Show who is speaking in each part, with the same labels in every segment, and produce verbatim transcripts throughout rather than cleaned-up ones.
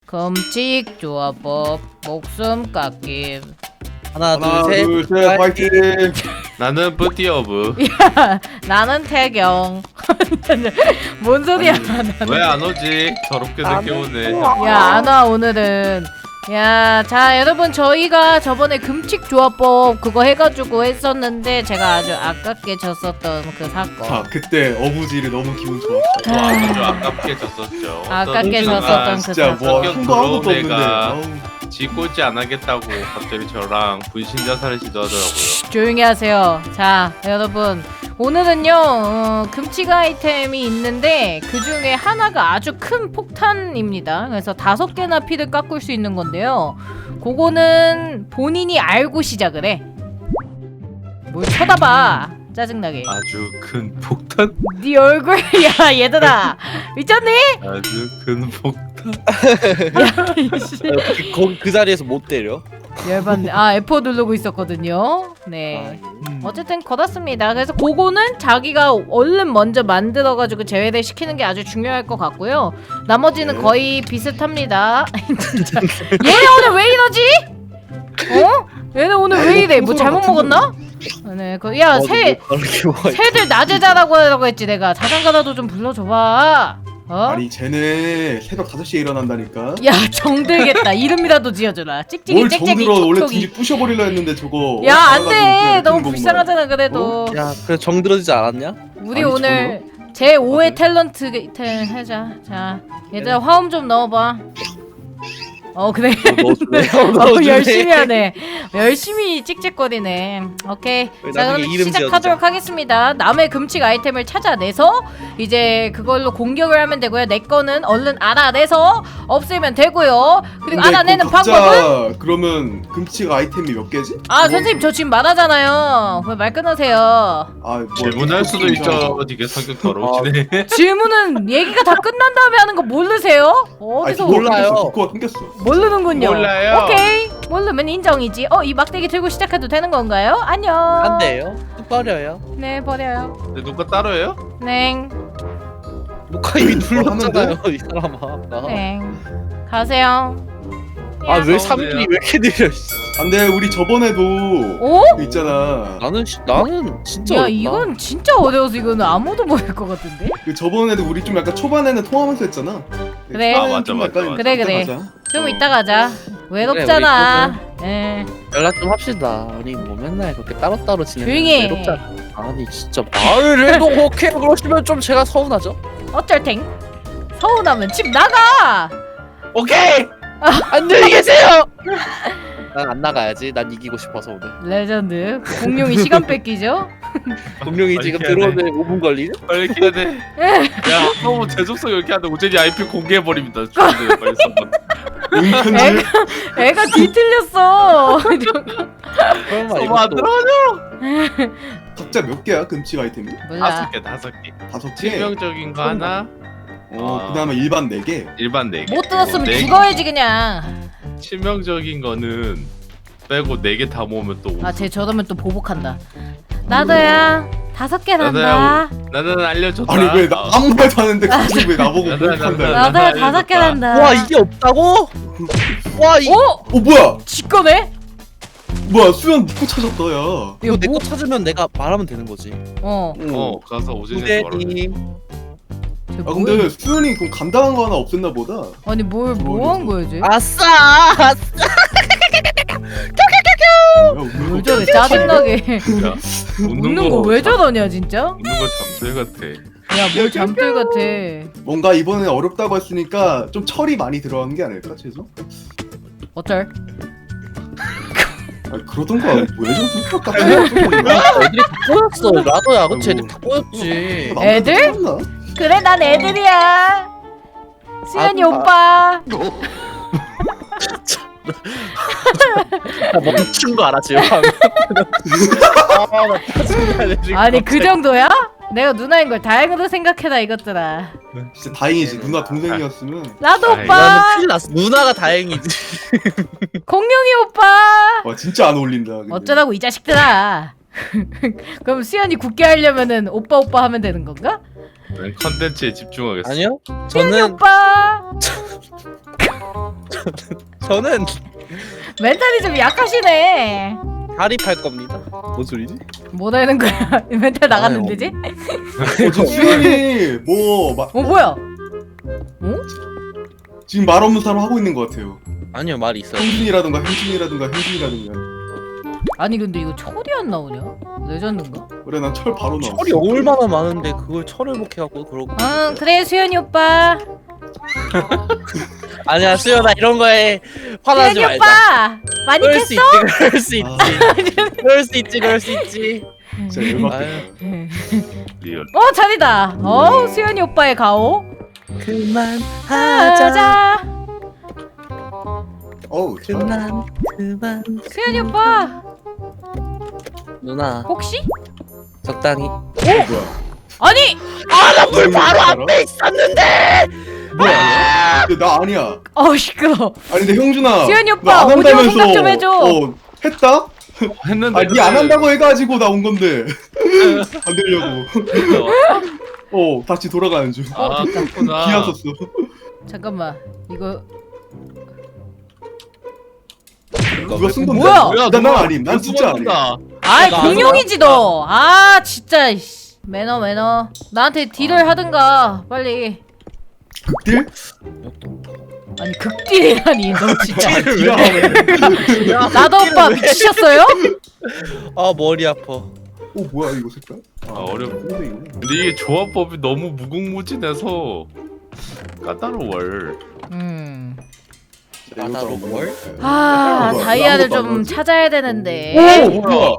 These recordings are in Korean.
Speaker 1: 금칙 조합법 목숨 깎임.
Speaker 2: 하나,
Speaker 3: 하나
Speaker 2: 둘, 셋.
Speaker 3: 둘셋 파이팅.
Speaker 4: 나는 뿌띠어브.
Speaker 1: 야, 나는 태경. 뭔 소리야?
Speaker 4: 왜 안 오지? 더럽게 늦게 오네.
Speaker 1: 야, 안 와 오늘은. 야, 자 여러분, 저희가 저번에 금칙 조합법 그거 해가지고 했었는데 제가 아주 아깝게 졌었던 그 사건.
Speaker 3: 자 그때 어부지를 너무 기분 좋았어.
Speaker 4: 또 아주 아깝게 졌었죠.
Speaker 1: 아깝게
Speaker 4: 어떤
Speaker 1: 졌었던 그
Speaker 3: 진짜
Speaker 1: 사건.
Speaker 3: 뭐
Speaker 4: 성격
Speaker 3: 한 거 아무것도
Speaker 4: 더러운
Speaker 3: 없는데.
Speaker 4: 애가
Speaker 3: 아우.
Speaker 4: 지 꼴찌 안 하겠다고 갑자기 저랑 분신 자살을 시도하더라고요.
Speaker 1: 조용히 하세요. 자 여러분, 오늘은요 어, 금칙 아이템이 있는데 그 중에 하나가 아주 큰 폭탄입니다. 그래서 다섯 개나 피를 깎을 수 있는 건데요, 그거는 본인이 알고 시작을 해. 뭘 쳐다봐, 짜증나게.
Speaker 4: 아주 큰 폭탄?
Speaker 1: 네 얼굴. 야 얘들아, 미쳤니?
Speaker 4: 아주 큰 폭탄.
Speaker 2: 그, 거기 그 자리에서 못 때려.
Speaker 1: 열받네. 아 에프 오 누르고 있었거든요. 네.
Speaker 2: 음.
Speaker 1: 어쨌든 걸었습니다. 그래서 그거는 자기가 얼른 먼저 만들어가지고 제외를 시키는 게 아주 중요할 것 같고요. 나머지는
Speaker 3: 네.
Speaker 1: 거의 비슷합니다. 진짜. 얘네 오늘 왜 이러지? 어? 얘네 오늘 왜 이래? 뭐 잘못 먹었나? 네, 그, 야,
Speaker 2: 어,
Speaker 1: 새,
Speaker 2: 뭐 그렇게 뭐가 있-
Speaker 1: 새들 낮에 자라고 하라고 했지 내가. 자장가라도 좀 불러줘봐. 어?
Speaker 3: 아니 쟤네 새벽 다섯 시에 일어난다니까.
Speaker 1: 야, 정들겠다. 이름이라도 지어줘라. 찍찍이
Speaker 3: 뭘
Speaker 1: 짹짹이
Speaker 3: 정들어. 원래
Speaker 1: 톡톡이.
Speaker 3: 둘이 부셔버리려 했는데 저거.
Speaker 1: 야, 안
Speaker 3: 나가가지고
Speaker 1: 돼.
Speaker 3: 그냥
Speaker 1: 너무
Speaker 3: 뜬
Speaker 1: 불쌍하잖아, 그래도.
Speaker 2: 야, 그래 정들어지지 않았냐?
Speaker 1: 우리
Speaker 3: 아니,
Speaker 1: 오늘 제오 회
Speaker 3: 아, 그래?
Speaker 1: 탤런트 게- 태 하자. 자, 얘들아 화음 좀 넣어봐. 어 그래.
Speaker 2: 넣어줄래?
Speaker 1: 어,
Speaker 2: 넣어줄래?
Speaker 1: 열심히 하네. 열심히 찍찍거리네. 오케이.
Speaker 2: 우리
Speaker 1: 자,
Speaker 2: 나중에
Speaker 1: 그럼
Speaker 2: 이름
Speaker 1: 시작하도록
Speaker 2: 지어주자.
Speaker 1: 하겠습니다. 남의 금칙 아이템을 찾아내서 이제 그걸로 공격을 하면 되고요. 내 거는 얼른 알아내서 없애면 되고요. 그리고
Speaker 3: 근데
Speaker 1: 알아내는
Speaker 3: 그거 각자
Speaker 1: 방법은,
Speaker 3: 그러면 금치가 아이템이 몇 개지?
Speaker 1: 아 선생님 저 지금 말하잖아요. 왜 말 끊으세요?
Speaker 3: 아, 뭐
Speaker 4: 질문할 수도 있죠. 되게 성격 더러우시네.
Speaker 1: 질문은 얘기가 다 끝난 다음에 하는 거 모르세요? 어디서
Speaker 3: 아니,
Speaker 2: 몰라요.
Speaker 3: 디코가 끊겼어.
Speaker 1: 모르는군요.
Speaker 4: 몰라요.
Speaker 1: 오케이. 모르면 인정이지. 어, 이 막대기 들고 시작해도 되는 건가요? 안녕.
Speaker 2: 안 돼요. 또 버려요.
Speaker 1: 네, 버려요.
Speaker 4: 근데 누가 따로 해요?
Speaker 1: 냉.
Speaker 2: 녹화 이미
Speaker 3: 하면
Speaker 2: 눌렀잖아요, 이 사람아. 나.
Speaker 1: 냉. 가세요.
Speaker 2: 아, 왜
Speaker 4: 서운해요.
Speaker 2: 삼 일이 왜 이렇게 느려? 씨.
Speaker 3: 안돼 우리 저번에도
Speaker 1: 오?
Speaker 3: 그 있잖아.
Speaker 2: 나는 시, 나는 진짜
Speaker 1: 야,
Speaker 2: 어렵다.
Speaker 1: 이건 진짜 어려워서 이거는 아무도 모를 것 같은데?
Speaker 3: 그 저번에도 우리 좀 약간 초반에는 통하면서 했잖아.
Speaker 1: 그래.
Speaker 3: 초반에는
Speaker 4: 아,
Speaker 3: 좀
Speaker 4: 맞아,
Speaker 3: 약간
Speaker 4: 맞아,
Speaker 1: 그래,
Speaker 3: 이따
Speaker 1: 그래.
Speaker 3: 가자.
Speaker 1: 좀
Speaker 3: 어.
Speaker 1: 이따 가자. 외롭잖아. 예.
Speaker 2: 연락 좀 합시다. 우리 뭐 맨날 그렇게 따로따로 지내면
Speaker 1: 조용히 해.
Speaker 2: 외롭잖아. 아니 진짜 말을 해도 오케이 그러시면 좀 제가 서운하죠?
Speaker 1: 어쩔 탱? 서운하면 집 나가!
Speaker 2: 오케이! 안녕히 계세요! 난 안 나가야지. 난 이기고 싶어서 오늘.
Speaker 1: 레전드. 공룡이 시간 뺏기죠?
Speaker 2: 분명히
Speaker 4: 빨리
Speaker 2: 지금
Speaker 4: 해야 돼.
Speaker 2: 들어오는데 오 분 걸리네?
Speaker 4: 빨리 해야 돼. 야, 너무 재속성 이렇게 하는데 오제니 아이피 공개해버립니다. 주인들 빨리 써봐.
Speaker 3: 응편지.
Speaker 1: 애가 뒤틀렸어.
Speaker 2: 설마
Speaker 4: 너무 안
Speaker 2: 이것도
Speaker 4: 들어가죠?
Speaker 3: 각자 몇 개야 금치 아이템이?
Speaker 1: 몰라.
Speaker 4: 다섯 개, 다섯 개.
Speaker 3: 다섯 개.
Speaker 4: 치명적인 거 하나,
Speaker 3: 어,
Speaker 4: 아.
Speaker 3: 그다음에 일반 네 개.
Speaker 4: 일반 네 개.
Speaker 1: 못 들었으면
Speaker 4: 네 개.
Speaker 1: 죽어야지 그냥.
Speaker 4: 치명적인 거는 빼고 네 개 다 모으면 또
Speaker 1: 아, 쟤 저러면 또 보복한다. 나도야. 다섯 개 난다.
Speaker 4: 나도야. 나는 알려줬다.
Speaker 3: 아니 왜 나 아무 말도 안 했는데 갑자기 왜 나보고
Speaker 4: 나, 나, 나,
Speaker 3: 못한다.
Speaker 4: 나.
Speaker 1: 나도야 다섯 개 난다.
Speaker 2: 와 이게 없다고? 와 이...
Speaker 1: 오!
Speaker 3: 어 뭐야?
Speaker 1: 지꺼네?
Speaker 3: 뭐야 수연 믿고 찾았다 야.
Speaker 2: 이거 내 거 찾으면 내가 말하면 되는 거지.
Speaker 1: 어.
Speaker 4: 어, 가서 오제니한테 말하래.
Speaker 2: 후대님
Speaker 1: 쟤
Speaker 3: 아
Speaker 1: 뭐야?
Speaker 3: 근데 수연이 그럼 간단한 거 하나 없앴나 보다.
Speaker 1: 아니 뭘 뭐 한 거야 쟤?
Speaker 2: 아싸! 아싸!
Speaker 3: 야,
Speaker 1: 왜 저래 짜증나게.
Speaker 4: 야,
Speaker 1: 웃는 거 왜 저러냐 진짜?
Speaker 4: 웃는 거 잠들 같아.
Speaker 1: 야 뭘 잠들 같아.
Speaker 3: 뭔가 이번에 어렵다고 했으니까 좀 철이 많이 들어가는 게 아닐까 최소?
Speaker 1: 어쩔?
Speaker 3: 아니 그러던가 왜 저렇게 똑같아?
Speaker 2: 애들이 다 꼬였어. 나도야. 그치?
Speaker 3: 아이고.
Speaker 2: 애들 다 꼬였지.
Speaker 1: 애들? 그래 난 애들이야. 수연이
Speaker 2: 아,
Speaker 1: 오빠.
Speaker 2: 나 멈춘 거 알아 지금? 아나 짜증나네 지금.
Speaker 1: 아니 그 정도야? 내가 누나인 걸 다행으로 생각해라 이것들아.
Speaker 3: 진짜 다행이지 누나 동생이었으면.
Speaker 1: 나도
Speaker 4: 아이,
Speaker 1: 오빠.
Speaker 2: 나는 큰일 났어. 누나가 다행이지.
Speaker 1: 공룡이 오빠.
Speaker 3: 와 진짜 안 어울린다. 근데.
Speaker 1: 어쩌라고 이 자식들아. 그럼 수연이 굳게 하려면은 오빠 오빠 하면 되는 건가?
Speaker 4: 난 컨텐츠에 집중하겠어.
Speaker 2: 아니요?
Speaker 1: 수연이
Speaker 2: 저는
Speaker 1: 오빠.
Speaker 2: 저는
Speaker 1: 멘탈이 좀 약하시네.
Speaker 2: 다리 팔 겁니다. 뭔 소리지?
Speaker 1: 뭐 되는 거야? 멘탈 나갔는데지?
Speaker 3: 어, 저 수현이 뭐 마,
Speaker 1: 어 뭐야?
Speaker 3: 지금 말 없는 사람 하고 있는 것 같아요.
Speaker 2: 아니요 말이 있어요.
Speaker 3: 형준이라든가 형준이라든가 형준이라든가.
Speaker 1: 아니 근데 이거 철이 안 나오냐? 레전드인가?
Speaker 3: 그래 난 철 바로 나왔어.
Speaker 2: 철이 얼마나 많은데 그걸 철을 못 해갖고 그러고.
Speaker 1: 응 그래 수현이 오빠.
Speaker 2: 아니야 수연아 이런 거에 화나지
Speaker 1: 수현이
Speaker 2: 말자.
Speaker 1: 오빠 많이
Speaker 2: 그럴 수
Speaker 1: 깼어?
Speaker 2: 있지, 그럴 수 있지,
Speaker 3: 아,
Speaker 2: 그럴 수 있지, 그럴 수 있지.
Speaker 3: 진짜 열받겠다.
Speaker 2: 아유.
Speaker 4: 리얼.
Speaker 1: 어 자리다. 어 수현이 오빠의 가오.
Speaker 2: 그만하자.
Speaker 1: 하자.
Speaker 3: 어우 참.
Speaker 2: 그만, 그만.
Speaker 1: 수현이 오빠
Speaker 2: 누나
Speaker 1: 혹시?
Speaker 2: 적당히.
Speaker 3: 어, 뭐야?
Speaker 1: 아니
Speaker 2: 아나물 바로 앞에 있었는데.
Speaker 3: 뭐야? 근데 나 아니야.
Speaker 1: 어 시끄러.
Speaker 3: 아니 근데 형준아.
Speaker 1: 수현이
Speaker 3: 너
Speaker 1: 오빠
Speaker 3: 안
Speaker 1: 오디오
Speaker 3: 한다면서,
Speaker 1: 생각 좀 해줘.
Speaker 3: 어 했다?
Speaker 4: 했는데.
Speaker 3: 아니 안 한다고 해가지고 나온 건데 안 되려고. 어 다시 돌아가는 중.
Speaker 4: 아 그렇구나.
Speaker 3: 비었었어.
Speaker 1: 잠깐만 이거
Speaker 3: 누가 쓴 건데?
Speaker 1: 뭐야?
Speaker 4: 뭐야?
Speaker 3: 난, 난
Speaker 4: 누가
Speaker 3: 아님. 난
Speaker 4: 누가
Speaker 3: 진짜 아님.
Speaker 4: 쓴다.
Speaker 1: 아이
Speaker 2: 나
Speaker 1: 공룡이지 너. 아 진짜 이씨. 매너 매너. 나한테 딜을 하든가 빨리.
Speaker 3: 극딜?
Speaker 1: 아니 극딜이라니 너 진짜.
Speaker 3: 기가 막히네.
Speaker 1: 나도 오빠 미치셨어요?
Speaker 2: 아 머리 아파.
Speaker 3: 오 뭐야 이거 색깔?
Speaker 4: 아, 어려워.
Speaker 3: 근데 이거.
Speaker 4: 근데 이게 조합법이 너무 무궁무진해서 까다로워.
Speaker 1: 음.
Speaker 2: 바다로 뭘?
Speaker 1: 아
Speaker 3: 뭐야,
Speaker 1: 다이아를
Speaker 3: 아무것도 안
Speaker 1: 좀
Speaker 3: 나오지?
Speaker 1: 찾아야 되는데.
Speaker 3: 오 뭐야?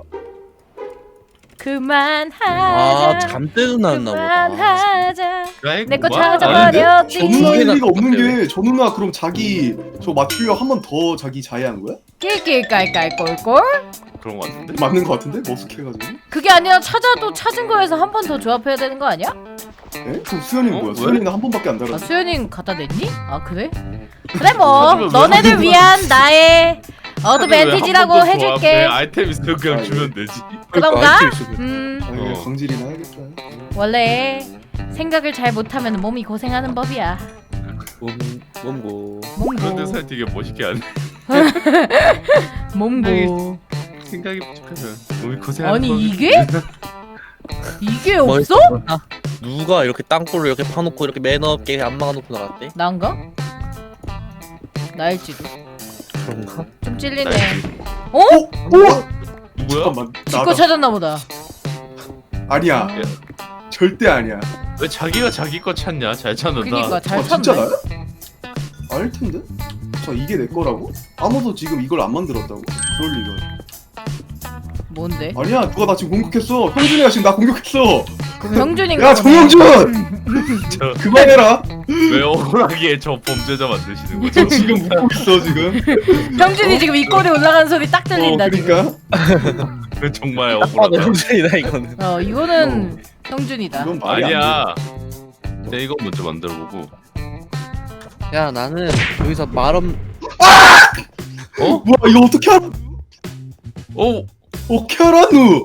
Speaker 1: 그만하자.
Speaker 2: 아 잠때도 나왔나 보다.
Speaker 1: 그만하자. 내 거
Speaker 3: 저
Speaker 1: 찾아버렸지.
Speaker 3: 누나일 리가 없는
Speaker 2: 똑같아,
Speaker 3: 게 저 누나 그럼 자기 저 맞추려 한 번 더 자기 자해한 거야?
Speaker 1: 낄낄깔깔 꼴꼴.
Speaker 4: 그런 거 같은데.
Speaker 3: 맞는 거 같은데? 머쓱해가지고.
Speaker 1: 그게 아니라 찾아도 찾은 거에서 한 번 더 조합해야 되는 거 아니야?
Speaker 3: 에? 그럼 수현이는
Speaker 4: 어?
Speaker 3: 뭐야?
Speaker 4: 왜?
Speaker 3: 수현이는 한 번밖에 안
Speaker 1: 아
Speaker 3: 달았어.
Speaker 1: 수현이 갖다 냈니? 아 그래? 그래 뭐
Speaker 4: 하지만 왜
Speaker 1: 너네들
Speaker 4: 하는
Speaker 1: 위한 나의 어드밴티지라고
Speaker 4: 왜
Speaker 1: 해줄게.
Speaker 4: 아이템 있으면 그냥
Speaker 3: 아,
Speaker 4: 주면 되지.
Speaker 1: 그런가? 음
Speaker 3: 아 이거
Speaker 4: 어.
Speaker 3: 광질이나 해야겠다.
Speaker 1: 원래 생각을 잘 못하면 몸이 고생하는 법이야.
Speaker 2: 몸 몸고.
Speaker 4: 그런데
Speaker 1: 몸고
Speaker 4: 살 되게 멋있게 안 해.
Speaker 1: 몸고.
Speaker 4: 생각이 부족하면 몸이 고생하는
Speaker 1: 아니
Speaker 4: 법이-
Speaker 1: 이게? 이게 없어?
Speaker 2: 아, 누가 이렇게 땅굴을 이렇게 파놓고 이렇게 매너 없게 안 막아놓고 나갔대?
Speaker 1: 난가? 나일지도.
Speaker 2: 그런가?
Speaker 1: 좀 찔리네.
Speaker 4: 나일지.
Speaker 1: 어?
Speaker 3: 우와!
Speaker 4: 뭐야?
Speaker 3: 잠깐만.
Speaker 1: 지거
Speaker 3: 나다.
Speaker 1: 찾았나 보다.
Speaker 3: 아니야. 절대 아니야.
Speaker 4: 왜 자기가 자기 거 찾냐? 잘 찾는다.
Speaker 1: 그니까 잘
Speaker 3: 아 진짜
Speaker 1: 찾네.
Speaker 3: 나야? 알 텐데? 저 이게 내 거라고? 아무도 지금 이걸 안 만들었다고? 그럴 리가.
Speaker 1: 뭔데?
Speaker 3: 아니야 누가 나 지금 공격했어. 형준이가 지금 나 공격했어.
Speaker 1: 그럼 형준인가?
Speaker 3: 야
Speaker 1: 보네.
Speaker 3: 정영준!
Speaker 4: 저,
Speaker 3: 그만해라.
Speaker 4: 왜 억울하게 저 범죄자 만드시는
Speaker 3: 저
Speaker 4: 거죠?
Speaker 3: 지금 웃고 있어 지금.
Speaker 1: 형준이 지금 이 꼴에 올라가는 소리 딱
Speaker 3: 어
Speaker 1: 들린다 지금.
Speaker 3: 그러니까.
Speaker 4: 그 정말
Speaker 2: 딱 봐도
Speaker 4: 억울하다.
Speaker 2: 형준이다 이거는.
Speaker 1: 어 이거는 형준이다.
Speaker 3: 이건 말이 안 돼.
Speaker 4: 아니야. 내 이거 먼저 만들어보고.
Speaker 2: 야 나는 여기서 말없.
Speaker 4: 어?
Speaker 3: 뭐야 이거 어떻게 알아?
Speaker 4: 어?
Speaker 3: 어떻게 알아 누?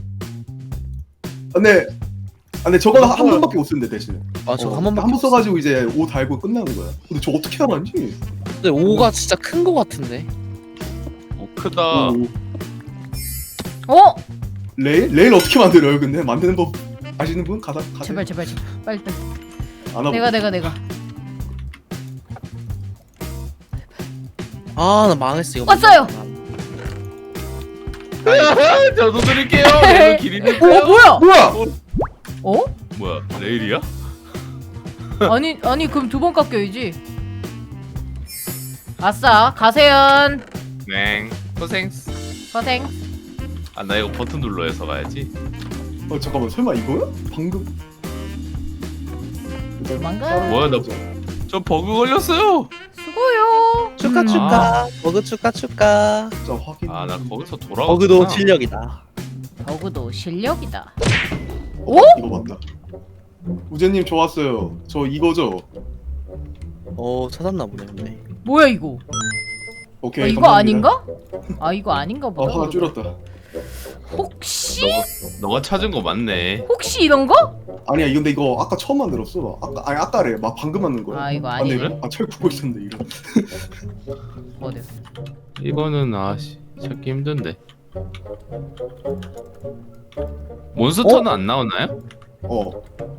Speaker 3: 안돼. 안돼 저거는 한 번밖에 못 쓰는데 대신에.
Speaker 2: 아 저거
Speaker 3: 어,
Speaker 2: 한 번밖에
Speaker 3: 한번 써가지고 이제 오 달고 끝나는 거야. 근데 저 어떻게 알았지?
Speaker 2: 근데 오가 진짜 큰 거 같은데.
Speaker 4: 어 크다.
Speaker 3: 오.
Speaker 1: 어?
Speaker 3: 레일? 레일 어떻게 만들어요? 근데 만드는 법 아시는 분? 가다 가다.
Speaker 1: 제발 제발 제발 빨리 빨리.
Speaker 3: 안 하고.
Speaker 1: 내가 내가 내가.
Speaker 2: 아 나 망했어 이거.
Speaker 1: 왔어요!
Speaker 4: 저도 드릴게요. 레일 길이는
Speaker 1: 어 뭐야?
Speaker 3: 뭐야?
Speaker 1: 어?
Speaker 4: 뭐야? 레일이야?
Speaker 1: 아니 아니 그럼 두 번 깎여야지. 아싸 가세연
Speaker 4: 네. 고생.
Speaker 1: 고생.
Speaker 4: 아 나 이거 버튼 눌러서 가야지.
Speaker 3: 어 잠깐만 설마 이거야? 방금.
Speaker 1: 도망가.
Speaker 4: 뭐야, 나- 저 버그 걸렸어요.
Speaker 1: 수고요.
Speaker 2: 축하
Speaker 1: 음.
Speaker 2: 축하. 버그 축하 축하.
Speaker 3: 진짜 확인.
Speaker 4: 아 나 거기서 돌아왔구나.
Speaker 2: 버그도 실력이다.
Speaker 1: 버그도 실력이다.
Speaker 3: 어? 이거 맞다. 우재님 좋았어요. 저 이거죠?
Speaker 2: 어 찾았나 보네 근데.
Speaker 1: 뭐야 이거?
Speaker 3: 오케이.
Speaker 1: 아, 이거
Speaker 3: 감사합니다.
Speaker 1: 아닌가? 아 이거 아닌가
Speaker 3: 아
Speaker 1: 보다.
Speaker 3: 화가 줄었다.
Speaker 1: 혹시
Speaker 4: 너가 너가 찾은 거 맞네.
Speaker 1: 혹시 이런 거?
Speaker 3: 아니야 이거 근데 이거 아까 처음 만들었어. 아까 아니 아까래 막 방금 만든 거야.
Speaker 1: 아 이거
Speaker 3: 아, 근데
Speaker 1: 아니네.
Speaker 3: 이거- 아, 철 굽고 있었는데 이거.
Speaker 1: 어디요?
Speaker 4: 이거는 아씨 찾기 힘든데. 몬스터는 안 나오나요?
Speaker 3: 어.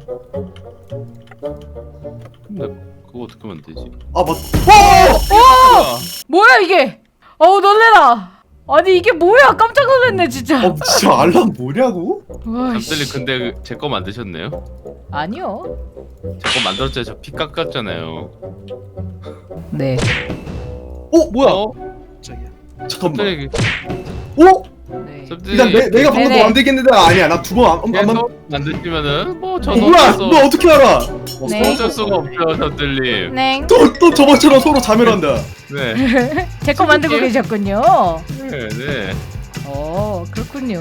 Speaker 4: 근데 그거 어떻게 하면 되지?
Speaker 3: 아 맞.
Speaker 4: 아,
Speaker 1: 뭐야 이게? 어우 놀래라. 아니 이게 뭐야? 깜짝 놀랐네 진짜.
Speaker 3: 어 진짜 알람 뭐냐고?
Speaker 4: 잠들님 근데 제 거 만드셨네요?
Speaker 1: 아니요.
Speaker 4: 제 거 만들었잖아요. 저 피 깎았잖아요.
Speaker 1: 네.
Speaker 3: 어 뭐야?
Speaker 4: 어?
Speaker 2: 저기야.
Speaker 3: 잠깐만.
Speaker 4: 잠들님
Speaker 3: 어?
Speaker 1: 네.
Speaker 3: 일단 내 내가 방금
Speaker 1: 네네.
Speaker 3: 너 안 되겠는데 아니야 나 두 번 안 안. 안- 어,
Speaker 4: 계속 만드시면은 뭐 저는
Speaker 3: 뭐야?
Speaker 4: 어쩔 수
Speaker 3: 너 어떻게 알아?
Speaker 1: 네.
Speaker 4: 어쩔 수가 없죠, 잠들님.
Speaker 1: 네.
Speaker 3: 또 또 저번처럼 서로 자멸한다.
Speaker 4: 네,
Speaker 1: 제 거 만들고 계셨군요.
Speaker 4: 네, 네.
Speaker 1: 어 그렇군요.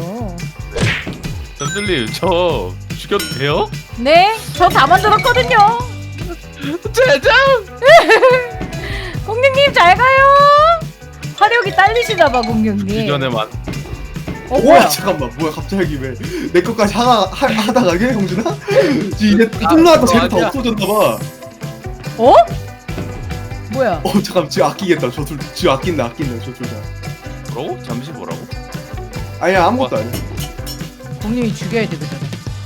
Speaker 4: 잠들님 저 죽여도 돼요?
Speaker 1: 네. 저 다 만들었거든요.
Speaker 4: 제장!
Speaker 1: 공룡님 잘 가요. 화력이 딸리시나봐 공룡님.
Speaker 4: 주변에만
Speaker 1: 어
Speaker 3: 와
Speaker 1: 뭐야?
Speaker 3: 잠깐만 뭐야 갑자기 왜 내 것까지 하나 하, 하다가 게 형준아? 이제 뚫나왔다 쟤는 다
Speaker 4: 아니야.
Speaker 3: 없어졌나봐.
Speaker 1: 어? 뭐야?
Speaker 3: 어 잠깐 쥐 아끼겠다 저둘쥐 아낀다 아낀다 저 둘 다.
Speaker 4: 뭐라고? 잠시 뭐라고?
Speaker 3: 아니야 아무것도 아니야.
Speaker 1: 공룡이 죽여야 되거든.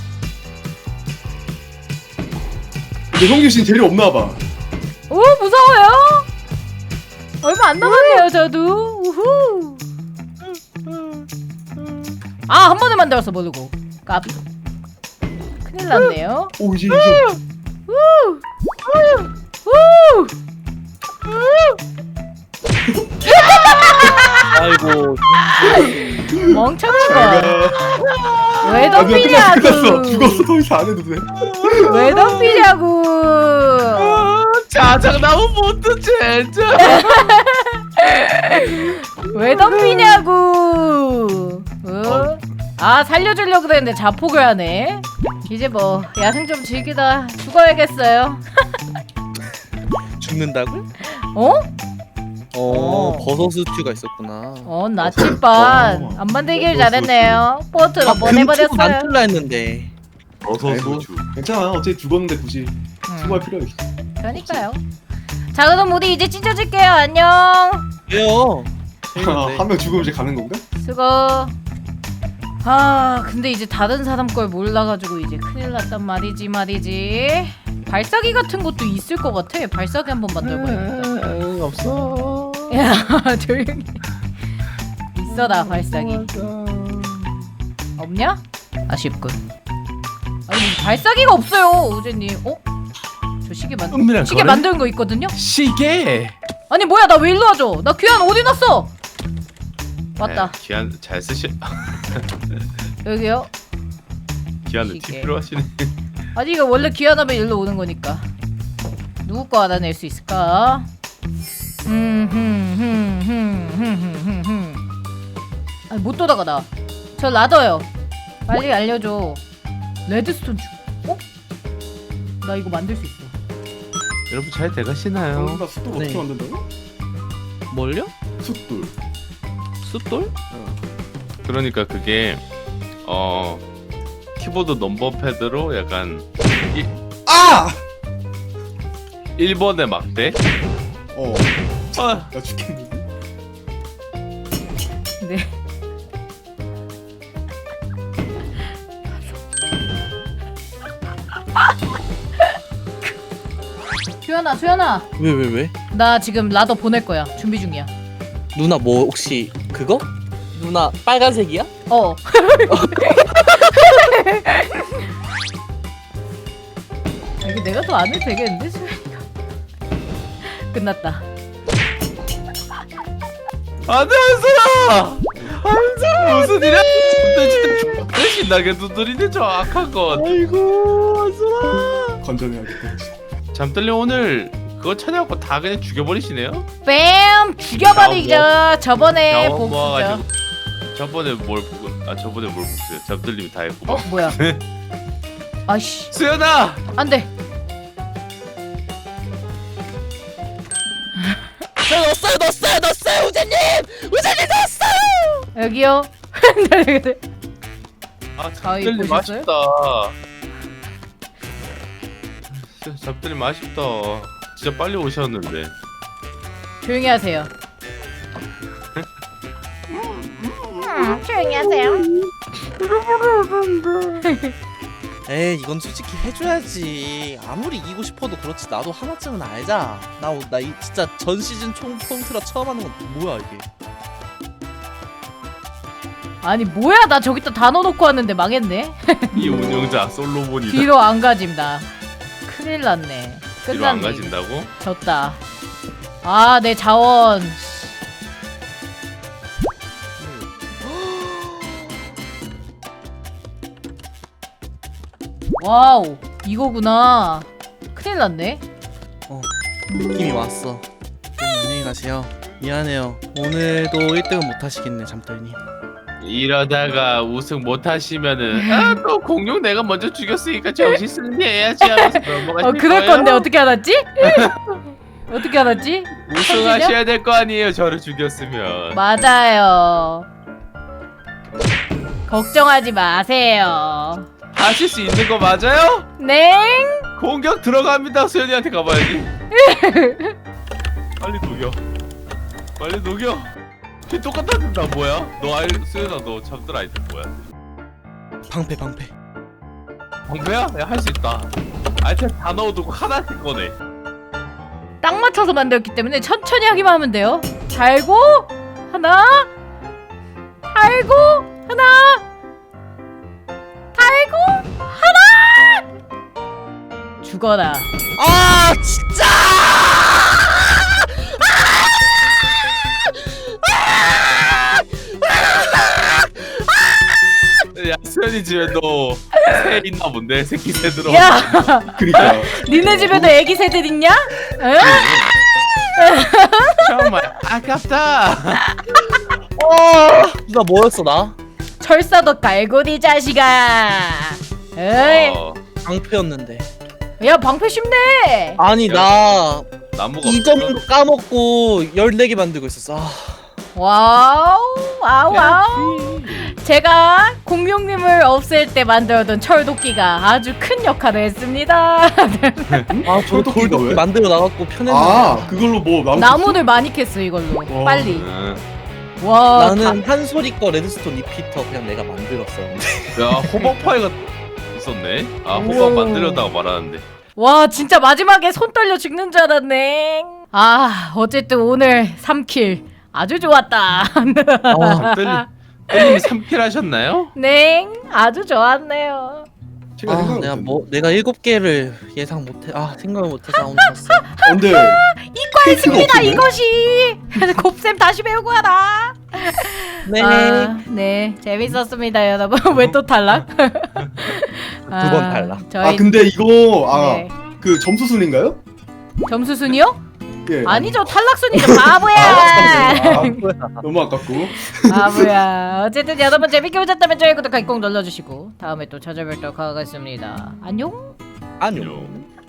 Speaker 3: 근데 형준 씨는 재료 없나봐.
Speaker 1: 오 무서워요. 얼마 안 남았네요 저도. 우후. 아 한 번에 만들었어 모르고. 까비. 큰일 났네요.
Speaker 3: 오 이제 이제
Speaker 2: 아이고.
Speaker 1: 멍청한 거.
Speaker 3: 가.
Speaker 1: 왜
Speaker 3: 아, 끝났어 끝났어
Speaker 1: 덤비냐고.
Speaker 3: 죽었어 더 이상 안 해도 돼.
Speaker 1: 왜 덤비냐고.
Speaker 4: 자장나무 못도 제장!
Speaker 1: 왜 덤비냐고. 어? 아 살려주려고 그랬는데 자폭을 하네. 이제 뭐 야생 좀 즐기다 죽어야겠어요.
Speaker 2: 죽는다고?
Speaker 1: 어?
Speaker 2: 어,
Speaker 1: 어.
Speaker 2: 버섯 스튜가 있었구나.
Speaker 1: 어 나침반.
Speaker 3: 어.
Speaker 1: 안 만들길 잘했네요. 포트로
Speaker 2: 아, 금치고
Speaker 1: 보내버렸어요.
Speaker 2: 만들라 했는데.
Speaker 3: 아이고 괜찮아 어차피 죽었는데 굳이
Speaker 1: 음,
Speaker 3: 수고할 필요 없어.
Speaker 1: 그러니까요. 자 그럼 우리 이제 찢어질게요. 안녕.
Speaker 2: 왜요?
Speaker 3: 한 명 죽으면 이제 가는 건가?
Speaker 1: 수고. 아 근데 이제 다른 사람 걸 몰라가지고 이제 큰일 났단 말이지 말이지. 발사기 같은 것도 있을 것 같아. 발사기 한번 만들어봐야겠다.
Speaker 4: 음, 없어.
Speaker 1: 야 조용히. 있어라 발사기. 없냐? 아쉽군. 아니 발사기가 없어요 우재님. 어? 저 시계 만
Speaker 4: 은밀한
Speaker 1: 시계
Speaker 4: 거래?
Speaker 1: 만드는 거 있거든요?
Speaker 4: 시계.
Speaker 1: 아니 뭐야 나 왜 일로 와줘? 나 귀한 어디 놨어? 맞다.
Speaker 4: 네, 기한 잘 쓰시.
Speaker 1: 여기요.
Speaker 4: 기한은
Speaker 1: 시계.
Speaker 4: 팁 필요하시네.
Speaker 1: 아니 이거 원래 귀환하면 일로 오는 거니까. 누구 거 알아낼 수 있을까? 흠흠흠흠흠흠흠. 아니 못 돌아가 나. 저 라더요. 빨리 알려줘. 레드스톤 주. 어? 나 이거 만들 수 있어.
Speaker 4: 여러분 잘 돼가시나요?
Speaker 3: 형준아 숫돌 어떻게
Speaker 2: 네.
Speaker 3: 만든다고?
Speaker 2: 뭘요?
Speaker 3: 숫돌.
Speaker 2: 숫돌?
Speaker 4: 그러니까 그게 어 키보드 넘버 패드로 약간
Speaker 3: 아!
Speaker 4: 일 번의 막대.
Speaker 3: 어.
Speaker 4: 아,
Speaker 3: 나 죽겠는데.
Speaker 1: 네. 수연아 수연아
Speaker 2: 왜 왜 왜?
Speaker 1: 나 지금 라더 보낼 거야. 준비 중이야.
Speaker 2: 누나 뭐 혹시 그거? 누나 빨간색이야?
Speaker 1: 어. 아, 이거 내가 더 안 해도 되겠는데 수연이가. 끝났다.
Speaker 4: 안돼 한솔아. 한솔아 무슨 일이야? 진짜 진짜 존나 신나게 두드리네 저 악한 것.
Speaker 2: 아이고 한솔아.
Speaker 3: 건전해야겠다.
Speaker 4: 잠들려 오늘 그거 찾아갖고 다 그냥 죽여버리시네요?
Speaker 1: 뺨 죽여버리죠. 저번에
Speaker 4: 경험
Speaker 1: 복수죠.
Speaker 4: 모아가지고 저번에 뭘 보고 아 저번에 뭘 복수요? 잠들님이 다 했고.
Speaker 1: 어 뭐야? 아씨
Speaker 4: 수연아.
Speaker 1: 안돼.
Speaker 2: 저 넣었어요 넣었어요 넣었어요 우재님! 우재님 넣었어요!
Speaker 1: 여기요.
Speaker 4: 아
Speaker 1: 가위
Speaker 4: 잠들님
Speaker 1: 보셨어요?
Speaker 4: 맛있다. 진짜 잠들님 맛있다. 진짜 빨리 오셨는데.
Speaker 1: 조용히 하세요. 음, 조용히 하세요.
Speaker 2: 에이 이건 솔직히 해줘야지. 아무리 이기고 싶어도 그렇지 나도 하나쯤은 알자. 나 나 이 진짜 전 시즌 총 통틀어 처음 하는 건 뭐야 이게.
Speaker 1: 아니 뭐야 나 저기다 다 넣어놓고 왔는데 망했네.
Speaker 4: 이 운영자 솔로몬이다.
Speaker 1: 뒤로 안 가진다. 큰일 났네.
Speaker 4: 뒤로 안
Speaker 1: 끝났네.
Speaker 4: 가진다고?
Speaker 1: 졌다. 아 내 자원. 와우 이거구나. 큰일 났네.
Speaker 2: 느낌이 왔어. 좀 안녕히 가세요. 미안해요. 오늘도 일 등은 못 하시겠네 잠들님.
Speaker 4: 이러다가 우승 못 하시면은 아 또 공룡 내가 먼저 죽였으니까 정신 승리해야지 하면서 넘어가실
Speaker 1: 어 그럴
Speaker 4: 거예요?
Speaker 1: 건데 어떻게 알았지? 어떻게 알았지?
Speaker 4: 우승하셔야 될 거 아니에요 저를 죽였으면.
Speaker 1: 맞아요. 걱정하지 마세요.
Speaker 4: 하실 수 있는 거 맞아요?
Speaker 1: 네.
Speaker 4: 공격 들어갑니다. 소연이한테 가봐야지. 빨리 녹여. 빨리 녹여. 걔 똑같은 나 뭐야? 너 아이 소연아 너 잠들 아이템 뭐야?
Speaker 2: 방패 방패.
Speaker 4: 방패야? 야 할 수 있다. 아이템 다 넣어두고 하나씩 꺼내.
Speaker 1: 딱 맞춰서 만들었기 때문에 천천히 하기만 하면 돼요. 달고 하나, 달고 하나, 달고 하나. 죽어라.
Speaker 2: 아 진짜.
Speaker 4: 야 수연이 집에 너 새 있나 본데 새끼 새 들어.
Speaker 1: 야,
Speaker 3: 그니까
Speaker 1: 니네 집에도 애기 새들 있냐? 응?
Speaker 4: 정말 아깝다.
Speaker 2: 어. 나 뭐였어 나?
Speaker 1: 철사도 갈고리 자식아. 에이,
Speaker 4: 어,
Speaker 2: 방패였는데.
Speaker 1: 야 방패 쉽네.
Speaker 2: 아니 나
Speaker 4: 나무가
Speaker 2: 이
Speaker 4: 없어.
Speaker 2: 점도 까먹고 열네 개 만들고 있었어. 아.
Speaker 1: 와우, 와우, 와우. 제가 공룡님을 없앨 때 만들어둔 철도끼가 아주 큰 역할을 했습니다.
Speaker 2: 아, 저
Speaker 3: 철도끼가
Speaker 2: 돌도끼
Speaker 3: 왜?
Speaker 2: 만들어 나갔고 편했는데.
Speaker 3: 아 그걸로 뭐 나무
Speaker 1: 나무를 많이 캤어 이걸로.
Speaker 3: 와.
Speaker 1: 빨리.
Speaker 4: 응.
Speaker 1: 와,
Speaker 2: 나는 한소리 거 레드스톤 리피터 그냥 내가 만들었었는데.
Speaker 4: 야 호박파이가 있었네. 아 호박
Speaker 1: 우와.
Speaker 4: 만들려다가 말하는데.
Speaker 1: 다, 와 진짜 마지막에 손 떨려 죽는 줄 알았네. 아 어쨌든 오늘 삼 킬 아주 좋았다.
Speaker 2: 아,
Speaker 4: 뜰- 뜰님이 삼 킬 하셨나요?
Speaker 1: 네, 아주 좋았네요.
Speaker 3: 제가
Speaker 2: 아
Speaker 3: 생각
Speaker 2: 내가
Speaker 3: 못했네.
Speaker 2: 뭐 내가 일곱 개를 예상 못해. 아 생각을 못해서 오늘 졌어.
Speaker 3: 아, 근데
Speaker 1: 이과했습니다
Speaker 3: 없네.
Speaker 1: 이것이. 곱셈 다시 배우고 하라.
Speaker 2: 네.
Speaker 1: 아, 네 재밌었습니다 여러분. 왜 또 탈락? 두
Speaker 2: 번 탈락.
Speaker 1: 저희
Speaker 3: 아 근데 이거 아
Speaker 1: 네.
Speaker 3: 그 점수 순인가요?
Speaker 1: 점수 순이요?
Speaker 3: 예.
Speaker 1: 아니죠 탈락 순이죠 바보야.
Speaker 3: 아, 너무 아깝고.
Speaker 1: 바보야. 어쨌든 여러분 재밌게 보셨다면 좋아요 구독하기 꼭 눌러주시고 다음에 또 찾아뵙도록 하겠습니다. 안녕.
Speaker 2: 안녕.